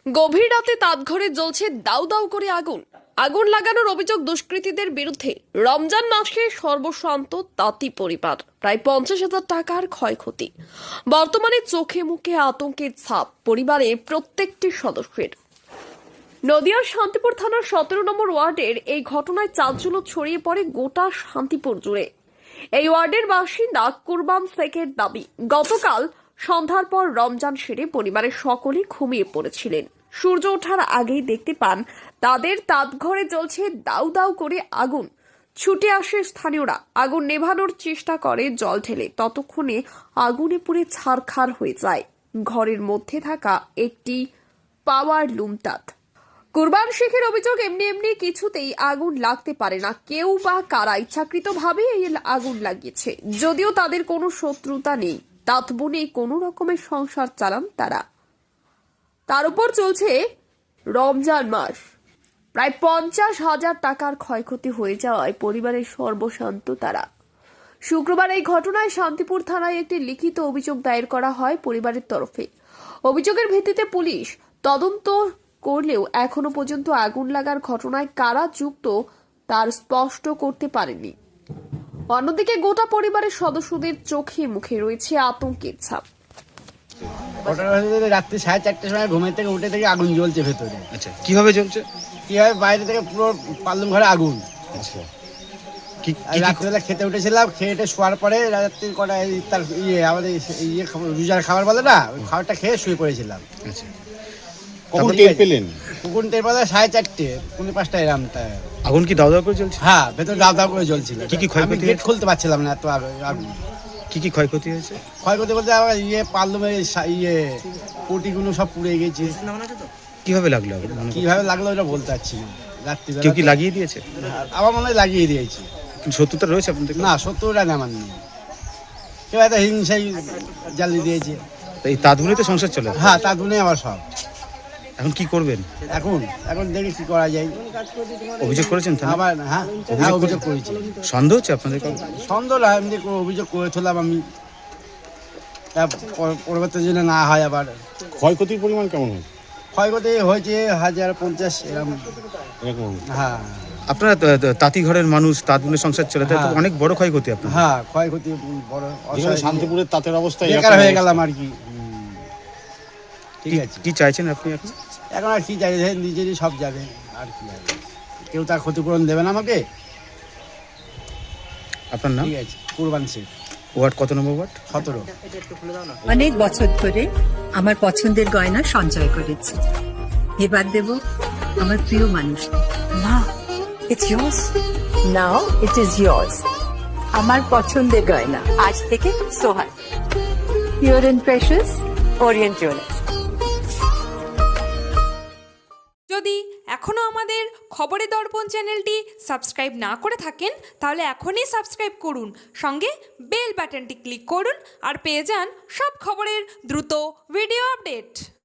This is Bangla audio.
গভীর রাতে তাঁতঘরে জ্বলছে দাউ দাউ করে আগুন। আগুন লাগানোর অভিযোগ দুষ্কৃতীদের বিরুদ্ধে। রমজান মাসে সর্বশান্ত তাঁতি পরিবার, প্রায় 50,000 টাকার ক্ষয়ক্ষতি। বর্তমানে চোখে মুখে আতঙ্কের ছাপ পরিবারের প্রত্যেকটি সদস্যের। নদিয়ার শান্তিপুর থানার 17 নম্বর ওয়ার্ডের এই ঘটনায় চাঞ্চল্য ছড়িয়ে পড়ে গোটা শান্তিপুর জুড়ে। এই ওয়ার্ডের বাসিন্দা কুরবান শেখের দাবি, গতকাল সন্ধ্যার পর রমজান সেরে পরিবারের সকলেই ঘুমিয়ে পড়েছিলেন। সূর্য ওঠার আগেই দেখতে পান তাদের তাঁতঘরে জ্বলছে দাউ দাউ করে আগুন। ছুটে আসে স্থানীয়রা, আগুন নেভানোর চেষ্টা করে জল ঢেলে। ততক্ষণে আগুনে পুড়ে ছারখার হয়ে যায় ঘরের মধ্যে থাকা একটি পাওয়ার লুম তাঁত। কুরবান শেখের অভিযোগ, এমনি কিছুতেই আগুন লাগতে পারে না। কেউ বা কারা ইচ্ছাকৃতভাবে এই আগুন লাগিয়েছে। যদিও তাদের কোনো শত্রুতা নেই, তাঁত বুনে কোনো রকমের সংসার চালান তারা। তার উপর চলছে রমজান মাস। প্রায় 50,000 টাকার ক্ষয়ক্ষতি হয়ে যাওয়ায় পরিবারের সর্বশান্ত তারা। শুক্রবার এই ঘটনায় শান্তিপুর থানায় একটি লিখিত অভিযোগ দায়ের করা হয় পরিবারের তরফে। অভিযোগের ভিত্তিতে পুলিশ তদন্ত করলেও এখনো পর্যন্ত আগুন লাগার ঘটনায় কারা যুক্ত তার স্পষ্ট করতে পারেনি। অন্যদিকে গোটা পরিবারের সদস্যদের চোখে মুখে রয়েছে আতঙ্কের ছাপ। রাত্রি 4:30টার সময় ঘুমের থেকে উঠে থেকে আগুন জ্বলছে ভেতরে। আচ্ছা, কিভাবে জ্বলছে? কিভাবে বাইরে থেকে পুরো পাল্লুম ঘরে আগুন। আচ্ছা, রাত্রিবেলা খেতে উঠেছিলাম, খেয়ে শোয়ার পরে রাত্রি কটা তার আমাদের রোজার খাবার বলে না, ওই খাবারটা খেয়ে শুয়ে পড়েছিলাম। আচ্ছা, কখন টের পেলেন? কখন টের পেলে 4:30, 5:30 এরকমটা। আগুন কি দাউ দাউ করে জ্বলছে? হ্যাঁ, ভেতরে দাও দাও করে জ্বলছিল। কি ক্ষয়ক্ষতি? গেট খুলতে পারছিলাম না, এত আগুন। কি ক্ষয়ক্ষতি হয়েছে? ক্ষয়ক্ষতি বলতে আবার পাল্লুমের পটিগুলো সব পুড়ে গেছে। কিভাবে লাগলো আগুন? কিভাবে লাগলো ওটা বলতে পারছি না। রাত্রিবেলা কেউ কি লাগিয়ে দিয়েছে? আমার মনে হয় লাগিয়ে দিয়েছি। শত্রুতা রয়েছে আপনাদের? না, সত্যটা না, আমার নেই। কেউ একটা হিংসাই জ্বালিয়ে দিয়েছে। এই তাঁতগুলিতে সংসার চলে? হ্যাঁ, তা দুনে আমার সব। এখন কি করবেন? এখন দেখি কি করা যায়। অভিযোগ করেছেন থানায়? আবার হ্যাঁ, অভিযোগ করেছি। সন্দেহ হচ্ছে আপনাদের? সন্দেহ না, এমনি অভিযোগ করেছিলাম আমি। পরবর্তী জন্য না হয় আবার। ক্ষয়ক্ষতির পরিমাণ কেমন হয়? ক্ষয়ক্ষতি হয়েছে 1,050 এরকম। হ্যাঁ, আপনারা তাঁতি ঘরের মানুষ, তাঁত বুনে সংসার চলে, তাই তো অনেক বড় ক্ষয়ক্ষতি আপনার। হ্যাঁ, ক্ষয়ক্ষতি বড়। শান্তিপুরের তাঁতের অবস্থা বেকার হয়ে গেলাম আর কি। ঠিক আছে, কি চাইছেন আপনি এখন? এখন আর কি চাই, নিজেরই সব যাবে আর কি হবে। কেউ তার ক্ষতিপূরণ দেবে না আমাকে। আপনার নাম? ঠিক আছে, কুরবান শেখ। ওয়ার্ড কত নম্বর ওয়ার্ড? 17। অনেক বছর ধরে আমার পছন্দের গয়না সঞ্চয় করেছি। এবার দেব আমার প্রিয় মানুষ। মা, it's yours. Now it is yours. আমার পছন্দের গয়না আজ থেকে Sohan, pure and precious Orient jewellers. যদি এখনও আমাদের খবরের দর্পণ চ্যানেলটি সাবস্ক্রাইব না করে থাকেন, তাহলে এখনই সাবস্ক্রাইব করুন, সঙ্গে বেল বাটনটি ক্লিক করুন আর পেয়ে যান সব খবরের দ্রুত ভিডিও আপডেট।